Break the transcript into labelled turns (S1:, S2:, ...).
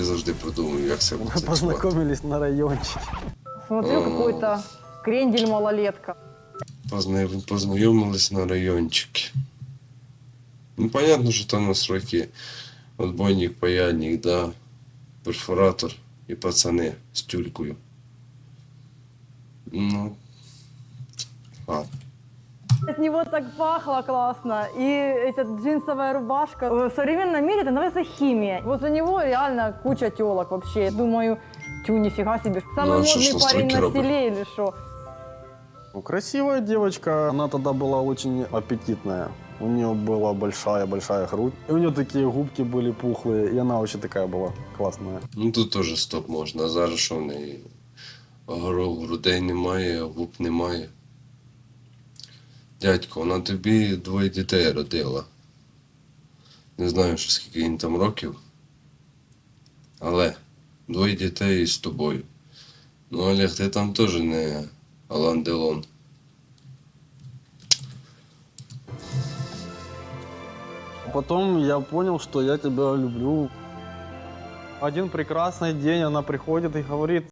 S1: Я завжди продумую, як це буде
S2: Мы
S1: працювати.
S2: познакомились на райончике.
S3: Смотрю, какой-то крендель-малолетка.
S1: Познайомились на райончике. Ну, понятно, що там на сроки. Отбойник, паяльник, да, перфоратор і пацани з тюлькою. Ну, ладно.
S3: От него так пахло классно. И эта джинсовая рубашка. В современном мире это называется химия. Возле него реально куча телок вообще. Думаю, тю, нифига себе. Самый
S1: Ну, а что ж
S3: модный
S1: на
S3: парень
S1: стойке
S3: на
S1: робить?
S3: селе или что?
S2: Ну, красивая девочка. Она тогда была очень аппетитная. У нее была большая-большая грудь. И у нее такие губки были пухлые. И она вообще такая была классная.
S1: Ну тут теж стоп можна. А зараз що в неї? Грудей немає, губ немає. Дядько, вона тобі 2 дітей родила. Не знаю, що скільки їм там років. Але 2 дітей з тобою. Ну, Олег, ти там теж не Алан Делон.
S2: Потом я понял, что я тебя люблю. Один прекрасный день она приходит и говорит: